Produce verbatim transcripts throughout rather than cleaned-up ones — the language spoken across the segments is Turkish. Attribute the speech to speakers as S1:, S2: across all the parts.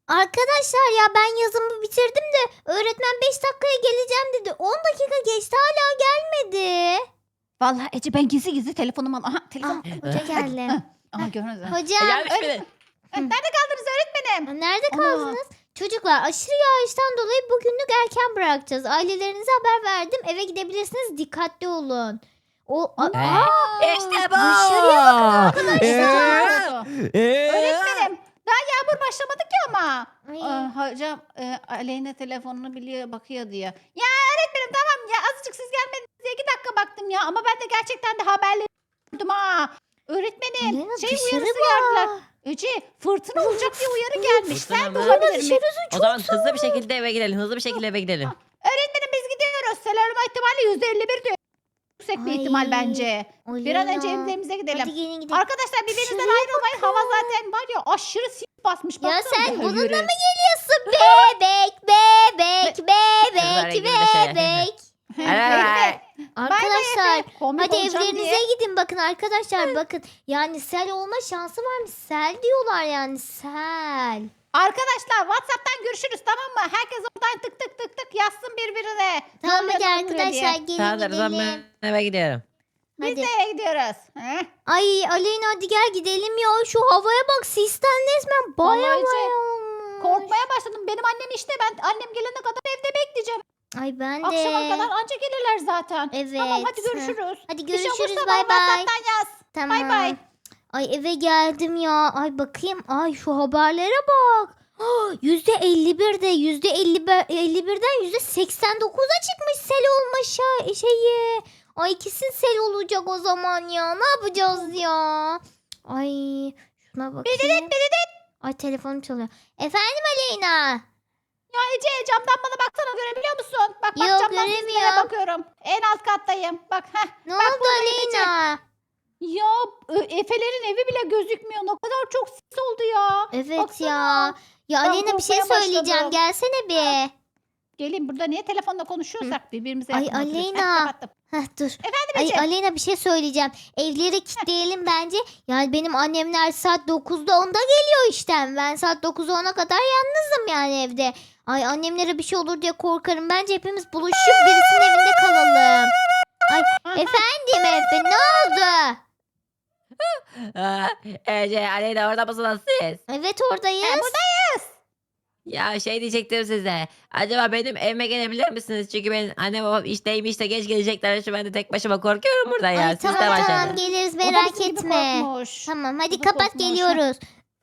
S1: Arkadaşlar ya ben yazımı bitirdim de öğretmen beş dakikaya geleceğim dedi. on dakika geçti hala gelmedi.
S2: Vallahi Ece ben gizli gizli telefonumu al. Aha
S1: Ah,
S2: telefon.
S1: hoca geldi.
S2: Aha gördünüz mü?
S1: Hocam
S3: Gelmiş bile.
S2: Nerede kaldınız öğretmenim?
S1: nerede
S2: Ana.
S1: kaldınız? Çocuklar aşırı yağıştan dolayı bugünlük erken bırakacağız. Ailelerinize haber verdim. Eve gidebilirsiniz. Dikkatli olun. O a-
S3: Ee,
S1: Aa,
S3: İşte bu.
S1: dışarıya bakın
S2: arkadaşlar.
S3: Ee,
S2: Öğretmenim daha yağmur başlamadı ki ama.
S1: Ay.
S2: Aa, hocam e, Aleyna telefonunu biliyor bakıyor diyor. Ya öğretmenim tamam ya azıcık siz gelmediniz diye iki dakika baktım ya. Ama ben de gerçekten de haberleri gördüm ha. Öğretmenim
S1: Aleyna,
S2: şey
S1: dışarı
S2: uyarısı
S1: bak.
S2: geldiler. Ece fırtına olacak diye uyarı gelmiş.
S3: Fırtına
S2: Sen de
S3: mı?
S2: olabilir mi?
S3: O zaman hızlı bir şekilde eve gidelim. Hızlı bir şekilde eve gidelim.
S2: Öğretmenim biz gidiyoruz. Sel olma ihtimali yüzde elli bir diyor. Yüksek bir
S1: Ay,
S2: ihtimal bence. Bir an önce
S1: Aleyna.
S2: evimize gidelim.
S1: Hadi gelin gidelim.
S2: Arkadaşlar birbirinizden
S1: Şuraya
S2: ayrılmayın. Hava zaten var ya aşırı sis basmış.
S1: Ya
S2: Baksana
S1: sen
S2: bir
S1: bununla
S2: yürü.
S1: mı geliyorsun? Bebek, bebek,
S3: Kızlar
S1: bebek,
S3: ilgili de şey.
S1: bebek.
S2: Efe,
S1: Arkadaşlar
S2: Efe, komik
S1: hadi
S2: olacağım
S1: evlerinize
S2: diye.
S1: gidin bakın arkadaşlar bakın. Yani sel olma şansı varmış. Sel diyorlar yani sel.
S2: Arkadaşlar WhatsApp'tan görüşürüz tamam mı? Herkes oradan tık tık tık tık yazsın birbirine.
S1: Tamam
S2: Ne
S1: hadi
S2: oluyor, ne oluyor
S1: arkadaşlar
S2: diye.
S1: gelin
S3: Tamam o zaman
S1: gidelim.
S3: ben eve gidiyorum.
S2: Biz
S1: Hadi.
S2: de eve gidiyoruz. Heh.
S1: Ay Aleyna hadi gel gidelim ya. Şu havaya bak sisten resmen baya
S2: Vallahi
S1: baya
S2: Ece,
S1: olmuş.
S2: Korkmaya başladım. Benim annem işte ben annem gelene kadar evde bekleyeceğim.
S1: Ay ben de.
S2: Akşama kadar anca gelirler zaten.
S1: Evet.
S2: Tamam hadi görüşürüz.
S1: Hadi
S2: Bir şey
S1: görüşürüz
S2: olursa
S1: bay
S2: bana
S1: bay.
S2: WhatsApp'tan yaz.
S1: Tamam.
S2: Bay bay.
S1: Ay eve geldim ya. Ay bakayım. Ay şu haberlere bak. Yüzde elli birde yüzde elli birden yüzde seksen dokuza çıkmış sel olma şa- şeyi. Ay kesin sel olacak o zaman ya. Ne yapacağız ya? Ay şuna bakayım. Ay telefonum çalıyor. Efendim Aleyna.
S2: Ya Ece camdan bana baksana görebiliyor musun? Bak bak
S1: Yok,
S2: camdan
S1: göremiyorum.
S2: sizlere bakıyorum. En alt kattayım. Bak heh.
S1: Ne
S2: Bak
S1: oldu
S2: buradayım
S1: Aleyna?
S2: Ya Ö- Efe'lerin evi bile gözükmüyor. Ne kadar çok sis oldu ya.
S1: Evet
S2: Baksana.
S1: ya. Ya
S2: Ben
S1: Aleyna bir şey
S2: korkmaya
S1: söyleyeceğim.
S2: başladım.
S1: Gelsene bir.
S2: Gelin burada niye telefonda konuşuyorsak birbirimize
S1: Ay,
S2: yakın oturuyoruz. Heh,
S1: Aleyna.
S2: kapattım.
S1: Heh dur.
S2: Efendim
S1: Ay
S2: Ece.
S1: Aleyna bir şey söyleyeceğim. Evleri kilitleyelim bence. Yani benim annemler saat dokuzda onda geliyor işten. Ben saat dokuza ona kadar yalnızım yani evde. Ay annemlere bir şey olur diye korkarım. Bence hepimiz buluşup birisinin evinde kalalım. Ay
S2: Aha.
S1: efendim Efe ne oldu?
S3: Aa, Ece, Aleyna orada mısınız siz?
S1: Evet oradayız.
S2: E, buradayız.
S3: Ya şey diyecektim size. Acaba benim evime gelebilir misiniz? Çünkü benim annem babam işteymiş de geç gelecekler. Şu ben de tek başıma korkuyorum burada ya.
S1: Ay
S3: Siz
S1: tamam
S3: de başlayın.
S1: tamam geliriz
S2: O da
S1: merak
S2: bizim gibi
S1: etme.
S2: korkmuş.
S1: Tamam hadi
S2: O da
S1: kapat
S2: korkmuş.
S1: geliyoruz.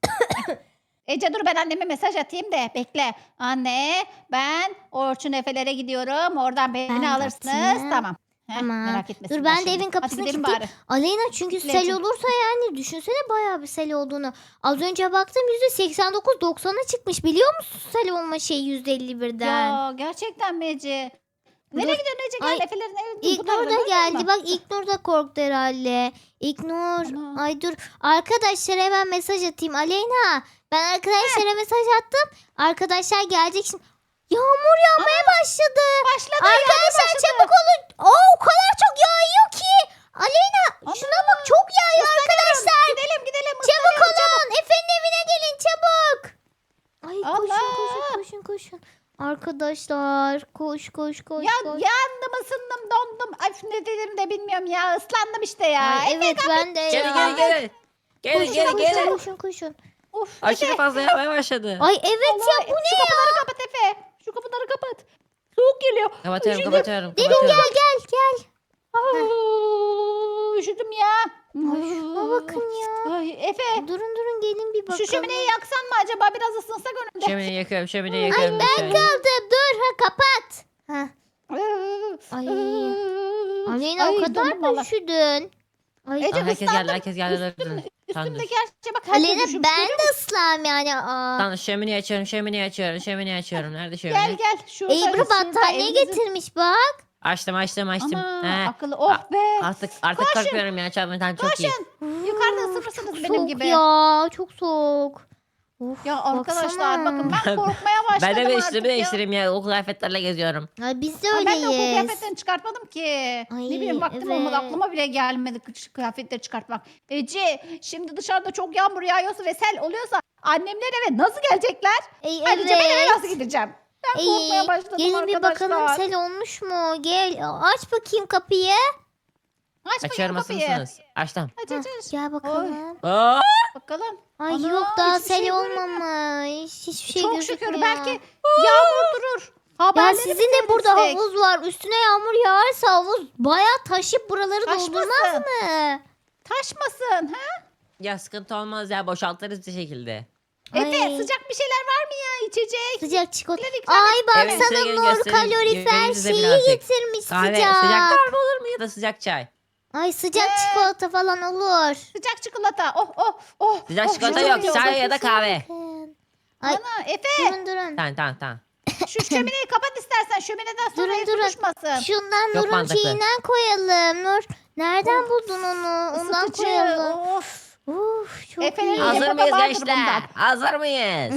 S2: Ece dur ben anneme mesaj atayım da bekle. Anne ben Orçun Efe'lere gidiyorum. Oradan beni
S1: Ben de
S2: alırsınız.
S1: atayım.
S2: Tamam. Heh,
S1: Tamam.
S2: Merak etmesinler
S1: Dur ben de
S2: şimdi.
S1: evin kapısını
S2: Hadi gidelim
S1: kilitleyeyim.
S2: bari.
S1: Aleyna çünkü sel
S2: Kitleyeceğim.
S1: olursa yani düşünsene bayağı bir sel olduğunu. Az önce baktım yüzde seksen dokuz doksana çıkmış biliyor musun sel olma şeyi yüzde elli birden.
S2: Ya gerçekten mi Ece? Nereye
S1: Dur.
S2: gidiyorsun Ece?
S1: Ay,
S2: Gel Efe'lerin evine.
S1: İlknur da geldi. Bak İlknur da korktu herhalde. İlknur.
S2: Ana.
S1: Ay dur. Arkadaşlara hemen mesaj atayım. Aleyna. Ben arkadaşlara mesaj attım. Arkadaşlar gelecek şimdi. Yağmur yağmaya başladı.
S2: Başladı.
S1: Arkadaşlar çabuk olun. Oo, o kadar çok yağıyor ki. Aleyna şuna bak çok yağıyor arkadaşlar.
S2: Gidelim gidelim.
S1: Çabuk
S2: ıslanıyorum,
S1: olun. Efe'nin evine gelin çabuk. Ay koşun
S2: Allah.
S1: koşun koşun koşun. Arkadaşlar koş koş koş
S2: Ya
S1: koş.
S2: yandım ısındım dondum. Ay ne dedim de bilmiyorum ya. Islandım işte ya.
S1: Ay,
S2: Efe,
S1: evet ben de
S3: Gelin
S1: ya.
S3: gelin gelin. Gelin
S1: Koşun,
S3: gelin
S1: koşun,
S3: gelin.
S1: koşun koşun.
S2: Of,
S3: Aşırı
S2: Efe.
S3: fazla yağmaya başladı.
S1: Ay evet
S2: Allah,
S1: ya bu ne
S2: Şu
S1: ya?
S2: kapıları kapat Efe. Şu kapıları kapat. Soğuk geliyor.
S3: Kapatıyorum
S2: Üşüdüm.
S3: kapatıyorum.
S1: Derin
S3: kapatıyorum.
S1: gel gel gel.
S2: Aa, üşüdüm ya.
S1: Ay şuna bakın ya.
S2: Ay, Efe.
S1: Durun durun gelin bir bakalım.
S2: Şu şömineyi yaksan mı acaba? Biraz ısınsak önünde.
S3: Şömineyi yakıyorum şömineyi
S1: Ay
S3: yakıyorum.
S1: ben
S3: lütfen.
S1: kaldım dur ha kapat. Ha. Ay. Aleyna
S2: Ay,
S1: o kadar
S2: dondum
S1: mı
S2: valla.
S1: üşüdün? Ay.
S2: Ece
S3: Aa, herkes geldi
S2: ıslandım.
S3: herkes geldi.
S2: Üstüm-
S3: Tamam,
S2: Üstümdeki her şey bak. herkes
S1: Aleyna
S2: üşümüş,
S1: ben
S2: görüyor
S1: de ıslam yani. Aa.
S3: Tamam şömineyi açıyorum şömineyi açıyorum şömineyi açıyorum. Nerede şömine?
S2: Gel gel. Şurada,
S1: Ebru
S2: şurada
S1: battaniye
S2: evimizin-
S1: getirmiş bak.
S3: Açtım açtım açtım.
S2: Ama
S3: He.
S2: akıllı. Oh be.
S3: Artık artık
S2: Koşun.
S3: korkmuyorum ya çalmaktan çok iyi.
S2: Koşun. Yukarıda ısınırsınız benim
S1: Soğuk
S2: gibi.
S1: ya çok soğuk. Of,
S2: Ya arkadaşlar
S1: baksana.
S2: bakın ben korkmaya başladım
S3: Ben de bir
S2: artık
S3: üstümü
S2: ya.
S3: değiştireyim ya. Okul kıyafetlerle geziyorum.
S1: Ay, biz de
S2: Ay, ben de okul
S1: öyleyiz.
S2: kıyafetlerini çıkartmadım ki.
S1: Ay,
S2: ne bileyim vaktim olmadı
S1: evet.
S2: aklıma bile gelmedi kı- kıyafetleri çıkartmak. Ece şimdi dışarıda çok yağmur yağıyorsa ve sel oluyorsa annemler eve nasıl gelecekler?
S1: Ey,
S2: Ayrıca ben eve
S1: evet.
S2: nasıl gideceğim? Ben
S1: Ey,
S2: korkmaya başladım
S1: gelin bir
S2: arkadaşlar.
S1: bakalım sel olmuş mu? Gel aç bakayım kapıyı.
S2: Aç bakayım
S3: Açıyorum, hazır
S2: kapıyı.
S3: mısınız? Açtım.
S2: Aç
S1: Hah,
S2: aç aç.
S1: gel bakalım.
S3: Aa!
S2: Bakalım.
S1: Ay
S2: Ana,
S1: yok daha
S2: hiçbir
S1: sel
S2: şey göremiyorum.
S1: olmamış. Hiçbir şey
S2: Çok
S1: gözükmüyor.
S2: şükür belki yağmur durur.
S1: Ya
S2: Haberleri
S1: sizin de burada
S2: seyredecek.
S1: havuz var. Üstüne yağmur yağarsa havuz bayağı taşıp buraları
S2: Taşmasın.
S1: doldurmaz mı?
S2: Taşmasın. Ha?
S3: Ya sıkıntı olmaz ya. Boşaltırız bir şekilde.
S2: Efe
S1: Ay.
S2: sıcak bir şeyler var mı ya içecek?
S1: Sıcak çikolata.
S2: Neler ikram
S1: Ay
S3: Evin
S1: baksana
S3: içine gelin
S1: Nur
S3: göstereyim.
S1: kalorifer
S3: Yüreğinize
S1: şeyi
S3: birazcık.
S1: getirmiş
S3: Kahve
S1: sıcak.
S3: sıcak kahve olur mu ya da sıcak çay?
S1: Ay sıcak
S2: Ee?
S1: çikolata falan olur.
S2: Sıcak çikolata. Oh oh oh.
S3: Sıcak
S2: oh,
S3: çikolata
S2: çok
S3: yok.
S2: iyi oldu.
S3: Çay ya da kahve.
S1: Bakın. Ay
S2: Ana Efe
S1: durun durun.
S3: Tamam tamam tamam.
S2: şu şömineyi kapat istersen. Şömineden sonra
S1: Durun,
S2: ev
S1: durun.
S2: tutuşmasın.
S1: Şundan
S3: Yok,
S1: Nur'un
S3: mantıklı.
S1: şeyinden koyalım. Nur nereden
S2: Of.
S1: buldun onu? Ondan
S2: Isıtıcı.
S1: koyalım.
S2: Of.
S1: Uf çok
S2: Efe'nin
S1: iyi.
S2: Hazır
S3: Hazır
S2: mıyız
S3: mıyız
S2: gençler?
S3: gençler? Hazır mıyız?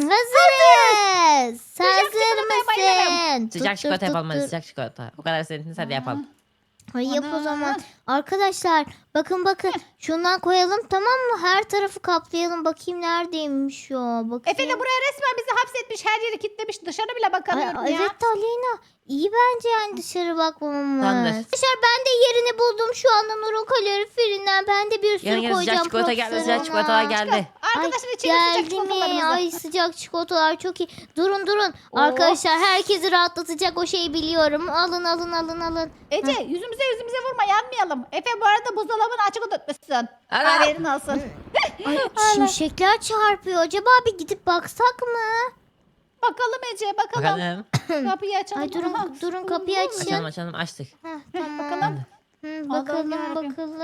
S1: Hazırız. Hazır
S2: çikolataya bayılırım.
S1: mısın?
S3: Sıcak
S1: Dur,
S3: çikolata
S1: dur,
S3: yapalım
S1: dur,
S3: hadi
S1: dur.
S3: sıcak çikolata. O kadar senin hadi yapalım.
S1: Ay yap o
S2: Ana.
S1: zaman. Arkadaşlar bakın bakın şundan koyalım tamam mı? Her tarafı kaplayalım. Bakayım neredeymiş o. Bakayım.
S2: Efe de buraya resmen bizi hapsetmiş. Her yeri kilitlemiş. Dışarı bile
S1: Ay,
S2: bakamıyorum ya.
S1: evet Aleyna. İyi bence yani dışarı bakmamamız.
S3: Tamamdır.
S1: Arkadaşlar ben de yerini buldum şu anda Nur'un kaloriferinden. Ben de bir sürü
S3: Gelin gelin
S1: koyacağım.
S3: sıcak çikolata geldi.
S1: profesör
S3: Sıcak çikolatalar
S1: ona.
S3: geldi.
S2: Arkadaşlar
S1: Ay,
S2: içelim sıcak
S1: geldi mi?
S2: çikolatalarımızı.
S1: Ay sıcak çikolatalar çok iyi. Durun durun.
S2: Oh.
S1: Arkadaşlar herkesi rahatlatacak o şeyi biliyorum. Alın alın alın alın.
S2: Ece yüzümüze yüzümüze vurma yanmayalım. Efe bu arada buzdolabını açık unutmuşsun.
S3: Ana!
S2: Haberin olsun.
S1: Ay şimşekler çarpıyor. Acaba bir gidip baksak mı?
S2: Bakalım Ece bakalım.
S3: Bakalım.
S2: Kapıyı açalım.
S1: Ay durun
S2: Aha.
S1: durun kapıyı açın.
S3: Açalım açalım açtık.
S1: Heh, tamam.
S2: Bakalım.
S1: Hı,
S2: Allah'ım
S1: bakalım
S2: yarabbim.
S1: bakalım.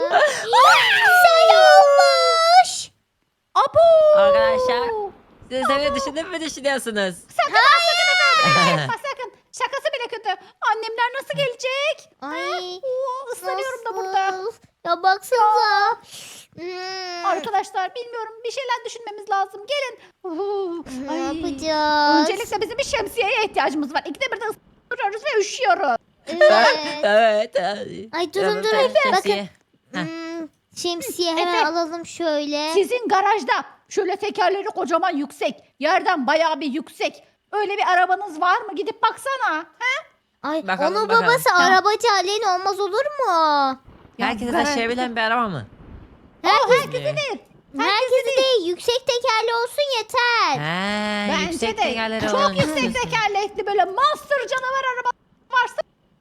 S1: Sel olmuş.
S2: Abo.
S3: Arkadaşlar, Siz de beni düşündün mü düşünüyorsunuz?
S2: Yapma sakın. Şakası bile kötü. Annemler nasıl gelecek?
S1: Ay.
S2: Oo, ıslanıyorum da burada.
S1: nasıl? Ya baksanıza. Hmm,
S2: Arkadaşlar bilmiyorum bir şeyler düşünmemiz lazım. Gelin. Oo,
S1: ne
S2: ay.
S1: yapacağız?
S2: Öncelikle bizim bir şemsiyeye ihtiyacımız var. İkide bir de ısınıyoruz ve üşüyoruz.
S1: Evet.
S3: Evet.
S1: Ay durun durun.
S3: Bakın.
S1: Bakın.
S3: Heh.
S1: Hmm, şemsiye hemen
S2: Efe.
S1: alalım şöyle.
S2: Sizin garajda şöyle tekerleri kocaman yüksek. Yerden bayağı bir yüksek. Öyle bir arabanız var mı? Gidip baksana. He?
S1: Ay
S3: Bakalım,
S1: onun
S3: bakalım.
S1: babası
S2: Tamam.
S1: arabacı Aleyna olmaz olur mu?
S2: Ya
S3: Herkese
S2: garaj-
S3: taşıyabilen bir araba mı?
S1: Herkes,
S2: Herkese değil.
S1: herkesi değil yüksek tekerli olsun yeter.
S3: He,
S2: Bence
S3: yüksek
S2: de
S3: tekerleri
S2: çok
S3: olan
S2: yüksek
S3: istiyorsun.
S2: tekerlekli böyle monster canavar araba varsa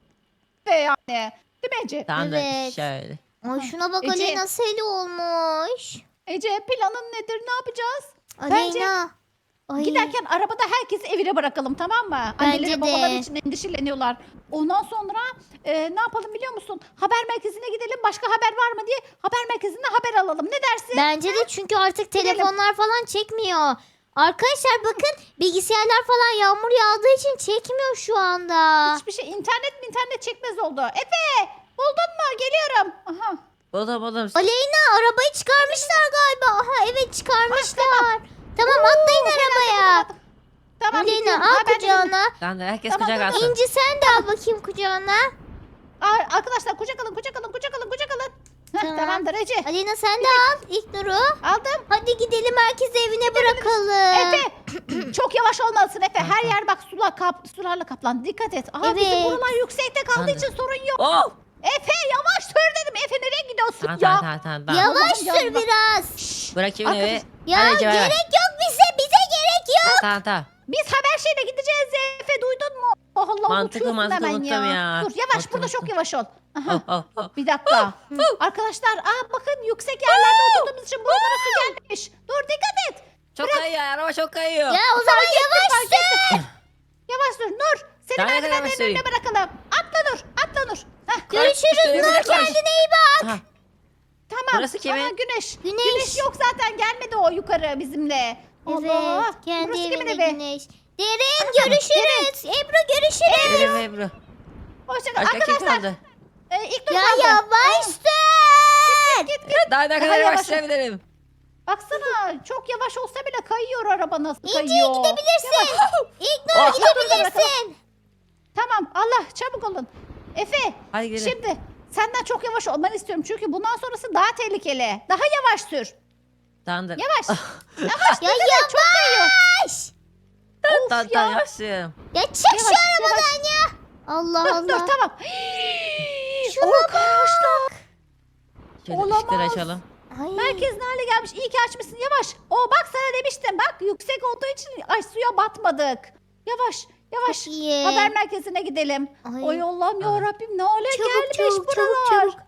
S2: ve yani. Değil mi Ece?
S3: Tamamdır.
S1: Evet.
S3: Şöyle.
S1: Ay şuna bak
S2: Ece.
S1: Aleyna seli olmuş.
S2: Ece planın nedir? Ne yapacağız?
S1: Aleyna. Ay.
S2: Giderken arabada herkesi evine bırakalım tamam mı?
S1: Bence
S2: Anneleri
S1: de.
S2: babaları için endişeleniyorlar. Ondan sonra e, ne yapalım biliyor musun? Haber merkezine gidelim. Başka haber var mı diye haber merkezine haber alalım. Ne dersin?
S1: Bence de çünkü artık telefonlar falan çekmiyor. Arkadaşlar bakın bilgisayarlar falan yağmur yağdığı için çekmiyor şu anda.
S2: Hiçbir şey internet mi internet çekmez oldu. Efe buldun mu? Geliyorum. Aha.
S3: Buldum buldum.
S1: Aleyna arabayı çıkarmışlar galiba. Aha evet çıkarmışlar. Tamam atlayın arabaya.
S2: Tamam.
S1: Aleyna
S2: gittim.
S1: al
S2: Ha, ben de-
S1: kucağına.
S3: Tamamdır. Herkes
S2: Tamam,
S3: kucak
S2: tamam.
S3: alsın.
S1: İnci sen de al bakayım kucağına.
S2: Ar- Arkadaşlar kucak alın kucak alın kucak alın kucak alın. Heh,
S1: Tamam.
S2: Tamamdır Ece.
S1: Aleyna sen de al ilk Nur'u.
S2: Aldım.
S1: Hadi gidelim herkesi evine bırakalım.
S2: Efe çok yavaş olmalısın Efe. Her yer bak sular kap, sularla kaplandı. Dikkat et. Aha bizim
S1: Evet.
S2: buralar yüksekte kaldığı
S3: Tamam.
S2: için sorun yok.
S3: Oh!
S2: Efe yavaş sür dedim. Efe nereye gidiyorsun
S3: Tamam
S2: ya?
S3: tamam tamam. tamam, tamam.
S1: Yavaş
S2: Allah'ım
S1: sür
S2: ya.
S1: biraz.
S2: Şşş.
S3: Bırakayım evi.
S2: Arkadaş-
S1: Ya
S3: Hadi Ece, ver, ver.
S1: gerek yok bize bize gerek yok.
S3: Tamam tamam.
S2: Biz haber şeyle gideceğiz Efe duydun mu? Oh Allah
S3: Mantıklı,
S2: unutuyorsun
S3: mantıklı,
S2: hemen
S3: unuttum ya.
S2: Dur yavaş
S3: Unuttum,
S2: burada çok
S3: unuttum.
S2: yavaş ol. Aha.
S3: Oh, oh, oh.
S2: Bir dakika. Arkadaşlar aa bakın yüksek yerlerde oturduğumuz için buralara su gelmiş. Dur dikkat et.
S3: Çok kayıyor. Araba çok kayıyor.
S1: Ya o zaman yavaş sür.
S2: Yavaş dur Nur. Seni
S3: Daha ne kadar
S2: merdivenlerin
S3: yavaş süreyim?
S2: önüne bırakalım. Atla Nur. Atla Nur. Heh,
S1: Görüşürüz
S3: Koş,
S1: Nur
S3: koş.
S1: kendine iyi bak.
S3: Aha,
S2: tamam.
S3: Burası kimin?
S2: Aha, güneş.
S1: Güneş.
S2: yok zaten gelmedi o yukarı bizimle. Allah.
S1: Evet kendi
S2: Burası kimin
S1: evinde
S2: evi?
S1: güneş. Derin görüşürüz. Ebru görüşürüz.
S3: Ebru Ebru.
S2: Hoşçakalın.
S3: Başka kim
S2: Arkadaşlar
S3: kaldı?
S2: e, ilk Nur
S1: Ya
S2: kaldı.
S1: yavaş sür.
S2: Git git.
S3: Daha ne
S2: Daha
S3: kadar
S2: yavaş.
S3: yavaş sürebilirim?
S2: Baksana çok yavaş olsa bile kayıyor araba nasıl
S1: İnce
S2: kayıyor.
S1: gidebilirsin. İlknur
S3: Oh.
S1: gidebilirsin.
S2: Tamam Allah çabuk olun. Efe
S3: Hadi gidelim.
S2: şimdi senden çok yavaş olmanı istiyorum. Çünkü bundan sonrası daha tehlikeli. Daha yavaş sür.
S3: Tamamdır.
S2: Yavaş.
S1: Ya yavaş.
S2: Of
S3: Tamam
S2: ya.
S3: tamam yavaşım.
S1: Ya çık şu
S2: Yavaş,
S1: arabadan ya. Allah
S2: Dur
S1: Allah.
S2: dur tamam.
S1: Şuna
S2: Arkadaşlar.
S3: Şöyle
S2: Olamaz.
S3: ışıkları açalım.
S1: Ay.
S2: Merkez ne hale gelmiş? İyi ki açmışsın. Yavaş. O bak sana demiştim. Bak yüksek olduğu için ay suya batmadık. Yavaş. Yavaş.
S1: Çok iyi.
S2: Haber merkezine gidelim.
S1: Ay.
S2: Ay Allah'ım ya Rabbim ne hale
S1: Çabuk,
S2: gelmiş
S1: çabuk, çabuk,
S2: buralar.
S1: çabuk.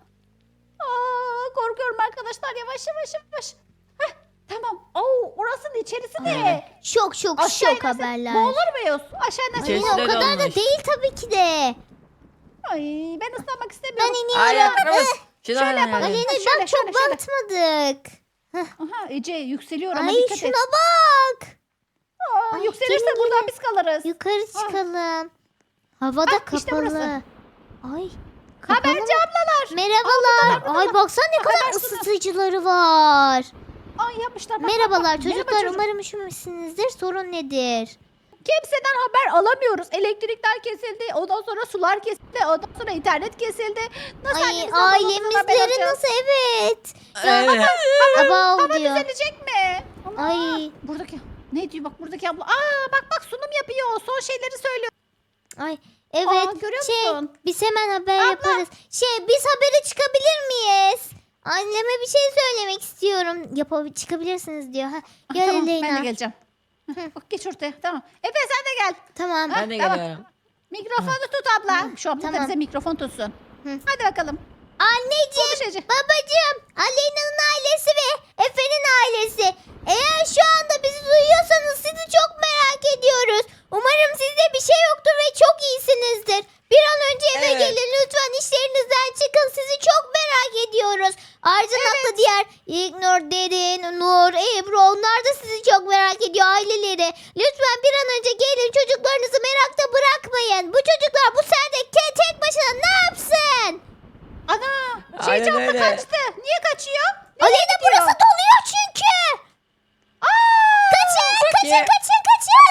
S2: Aa, korkuyorum arkadaşlar. Yavaş yavaş yavaş. Heh, tamam. Oo, orasının içerisi de.
S3: Aynen.
S1: Şok şok
S2: Aşağı
S1: şok
S2: inersek
S1: haberler.
S2: boğulur muyuz? Aşağı
S1: Ay,
S2: inersek
S3: İçerisi
S1: o
S3: de
S1: kadar da
S3: dolmuş.
S1: değil tabii ki de.
S2: Ay ben ıslanmak
S1: Ben
S2: istemiyorum.
S3: Ay
S1: iniyorum.
S3: yapıyoruz. Şunu
S2: Şöyle
S3: al,
S2: yapalım.
S3: hadi.
S1: Aleyna
S2: Şöyle,
S1: bak çok
S2: şöyle, şöyle.
S1: batmadık.
S2: Aha Ece yükseliyor ama
S1: Ay
S2: dikkat
S1: şuna
S2: et.
S1: bak.
S2: Aa,
S1: Ay,
S2: yükselirse
S1: gelin,
S2: buradan
S1: gelin.
S2: biz kalırız.
S1: Yukarı
S2: Ah.
S1: çıkalım. Havada
S2: Ah, işte
S1: kapalı.
S2: burası.
S1: Ay. kapalı
S2: Haberci
S1: mı?
S2: ablalar.
S1: Merhabalar.
S2: buradalar,
S1: Ay baksana ne kadar
S2: Haber sunu.
S1: ısıtıcıları var.
S2: Ay yapmışlar. Bak,
S1: Merhabalar
S2: bak, bak.
S1: çocuklar.
S2: Merhaba çocuk.
S1: Umarım üşümemişsinizdir. Sorun nedir?
S2: Kimseden haber alamıyoruz. Elektrikler kesildi. Ondan sonra sular kesildi. Ondan sonra internet kesildi. Nasıl
S1: Ay
S2: annemizden babamızdan haber
S1: ailemizleri
S2: alacağız?
S1: nasıl evet.
S3: Evet.
S1: Aba
S2: Hava
S1: diyor.
S2: düzelecek mi? Ana,
S1: Ay.
S2: Buradaki ne diyor bak buradaki abla. Aa bak bak sunum yapıyor. Son şeyleri söylüyor.
S1: Ay evet.
S2: Aa, görüyor
S1: şey
S2: musun?
S1: biz hemen haber
S2: Abla.
S1: yaparız. Şey biz habere çıkabilir miyiz? Anneme bir şey söylemek istiyorum. Yapab çıkabilirsiniz diyor. Ha,
S2: Ah,
S1: gel
S2: tamam,
S1: Aleyna.
S2: ben de geleceğim. Bak geç ortaya. Tamam. Efe sen de gel.
S1: Tamam.
S3: Ben de
S2: Tamam.
S3: geliyorum.
S2: Mikrofonu tut abla. Şu abla da
S1: tamam.
S2: bize mikrofon tutsun.
S1: Hı.
S2: Hadi bakalım.
S1: Anneciğim,
S2: Konuş Ece.
S1: babacığım, Aleyna'nın ailesi ve Efe'nin ailesi. Eğer şu anda bizi duyuyorsanız sizi çok merak ediyoruz. Umarım sizde bir şey yoktur ve çok iyisinizdir. Bir an önce eve
S3: Evet.
S1: gelin lütfen, işlerinizden çıkın. Sizi çok merak ediyoruz. Ayrıca da diğer İlknur, Derin, Nur, Ebru onlar da sizi çok merak ediyor, aileleri. Lütfen bir an önce gelin, çocuklarınızı merakta bırakmayın. Bu çocuklar bu sende te- tek başına ne yapsın?
S2: Ana.
S3: Aynen
S2: Şeyci abla
S3: öyle.
S2: kaçtı. Niye kaçıyor?
S1: Aleyna burası doluyor çünkü. Kaçın, kaçın,
S3: Niye?
S1: kaçın, kaçın.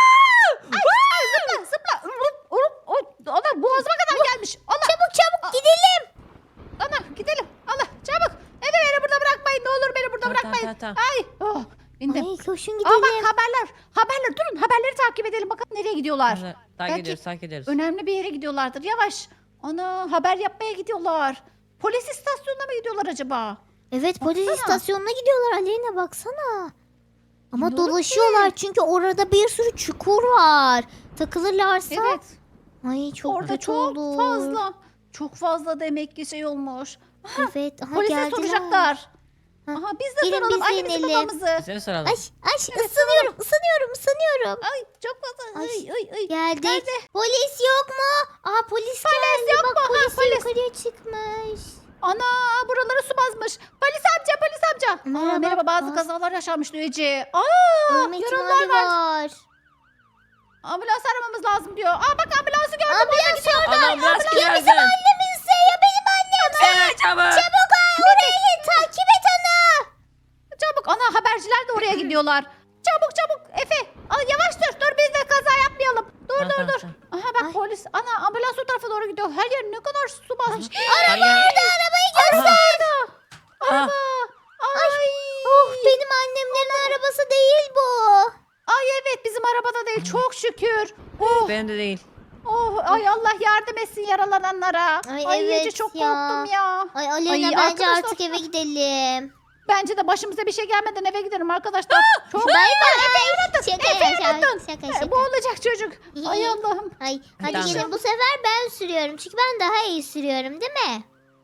S2: Ay, zıpla zıpla. Urup, urup, urup. Ana boğazıma kadar gelmiş. Allah.
S1: Çabuk çabuk gidelim.
S2: Ana gidelim. Allah çabuk. Eve beni burada bırakmayın. Ne olur beni burada
S3: Tamam,
S2: bırakmayın.
S3: tamam, tamam,
S2: Ay. Oh, bindim.
S1: Ay koşun
S2: Aa
S1: gidelim.
S2: bak haberler. Haberler durun. Haberleri takip edelim. Bakalım nereye gidiyorlar.
S3: Takip
S2: Belki-
S3: ediyoruz takip ediyoruz.
S2: Önemli bir yere gidiyorlardır. Yavaş. Ana haber yapmaya gidiyorlar. Polis istasyonuna mı gidiyorlar acaba?
S1: Evet polis
S2: Baksana.
S1: istasyonuna gidiyorlar Aleyna baksana. Ama
S2: Bilmiyorum
S1: dolaşıyorlar çünkü orada bir sürü çukur var. Takılırlarsa.
S2: Evet.
S1: Ay çok
S2: Orada
S1: kötü
S2: çok
S1: olur.
S2: fazla. Çok fazla demek ki şey olmuş.
S1: Evet aha
S2: Polise
S1: geldiler.
S2: soracaklar.
S1: Ha,
S2: Aha biz de
S1: gelin
S2: soralım
S1: biz de
S2: annemizi
S1: inelim.
S2: babamızı.
S3: Bize mi soralım?
S1: Ay ay ısınıyorum ısınıyorum ısınıyorum.
S2: Ay çok fazla.
S1: Ay,
S2: Ay ay ay.
S1: Geldik.
S2: Nerede?
S1: Polis yok mu? Aa polis, geldi.
S2: yok
S1: Bak
S2: mu? Ha,
S1: polis,
S2: polis.
S1: yukarıya çıkmış.
S2: Ana buraları su basmış. Polis amca polis amca. Aa,
S1: Merhaba.
S2: merhaba bazı
S1: Aa.
S2: kazalar yaşanmış diyor Ece. Aa
S1: Ölme
S2: yaralılar
S1: ihtimali
S2: var.
S1: var.
S2: Ambulans aramamız lazım diyor. Aa bak ambulansı gördüm.
S1: Ambulans orada.
S3: Ana ambulans
S1: Ya
S3: geldi.
S1: bizim annemizse ya benim annem.
S3: Evet çabuk.
S1: Çabuk ay oraya git takip et onu.
S2: Çabuk ana haberciler de oraya gidiyorlar. Çabuk çabuk Efe. Aa, yavaş dur dur biz de kaza yapmayalım. Dur
S3: Tamam,
S2: dur
S3: tamam,
S2: dur.
S3: tamam.
S2: Aha bak
S1: Ay.
S2: polis. Ana ambulans o tarafa doğru gidiyor. Her yer ne kadar su basmış.
S3: Hangi-
S1: Arabayı göster.
S3: Aha.
S2: Ay.
S1: Oh benim annemlerin arabası değil bu.
S2: Ay evet bizim arabada değil çok şükür. Oh,
S3: Benim de değil.
S2: oh ay Allah yardım etsin yaralananlara.
S1: Ay,
S2: Ay,
S1: evet
S2: Ece çok
S1: ya.
S2: korktum ya.
S1: Ay Aleyna
S2: Ay,
S1: bence
S2: arkadaşlar-
S1: artık eve gidelim.
S2: Bence de başımıza bir şey gelmeden eve gidelim arkadaşlar. Çok
S1: Bay bay. Şaka
S2: Efe
S1: ya,
S2: unuttun.
S1: şaka
S2: Ee,
S1: şaka.
S2: Bu olacak çocuk. Ay Allah'ım.
S1: Ay hadi
S3: Tamam.
S1: gelin bu sefer ben sürüyorum. Çünkü ben daha iyi sürüyorum değil mi?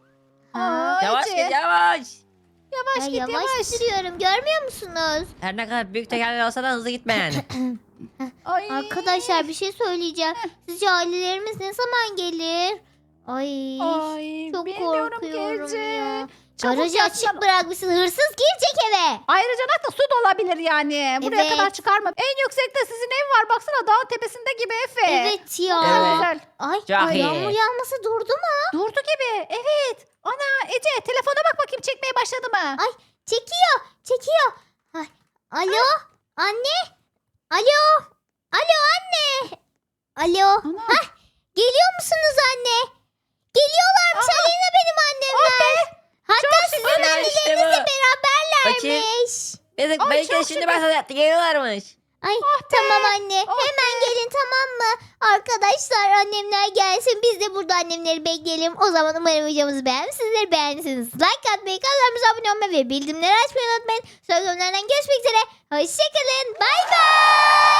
S1: Ha.
S2: Ay,
S3: Yavaş
S2: Ece.
S3: git yavaş.
S2: Yavaş
S1: Ya
S2: git
S1: yavaş,
S2: yavaş.
S1: sürüyorum görmüyor musunuz?
S3: Her ne kadar büyük tekerler olsa da hızlı gitme yani.
S2: Ay.
S1: Arkadaşlar bir şey söyleyeceğim. Sizce ailelerimiz ne zaman gelir? Ay,
S2: Ay,
S1: çok
S2: bilmiyorum
S1: korkuyorum
S2: Ece.
S1: ya.
S2: Çabuk
S1: Garajı
S2: yapsana.
S1: açık bırakmışsın. Hırsız girecek eve.
S2: Ayrıca da su da olabilir yani. Buraya
S1: Evet.
S2: kadar çıkarma. En yüksekte sizin ev var. Baksana dağın tepesinde gibi Efe.
S1: Evet ya.
S2: Güzel
S3: Evet.
S2: güzel.
S1: Ay,
S3: Çok
S1: ay
S3: iyi.
S1: yağmur yağması durdu mu?
S2: Durdu gibi. Evet. Ana Ece telefona bak bakayım çekmeye başladı mı?
S1: Ay. Çekiyor. Çekiyor. Ay. Alo. Anne. Alo. Alo anne. Alo.
S2: Ana.
S1: Hah. Geliyor musunuz anne? Geliyorlarmış
S2: Aha.
S1: Aleyna benim annemler. Hatta
S2: Çok
S1: sizin
S3: şükür. Ana, işte bu.
S1: annelerinizle beraberlermiş.
S3: Neyse
S2: Ay,
S3: belki de
S2: çok
S3: şimdi
S2: şükür.
S3: bahsetti geliyorlarmış.
S1: Ay tamam anne.
S2: Oh
S1: Hemen gelin tamam mı? Arkadaşlar annemler gelsin. Biz de burada annemleri bekleyelim. O zaman umarım videomuzu beğenmişsinizdir. Beğendiyseniz like atmayı, kanalımıza abone olmayı ve bildirimleri açmayı unutmayın. Sonraki bölümlerden görüşmek üzere. Hoşçakalın. Bay bay.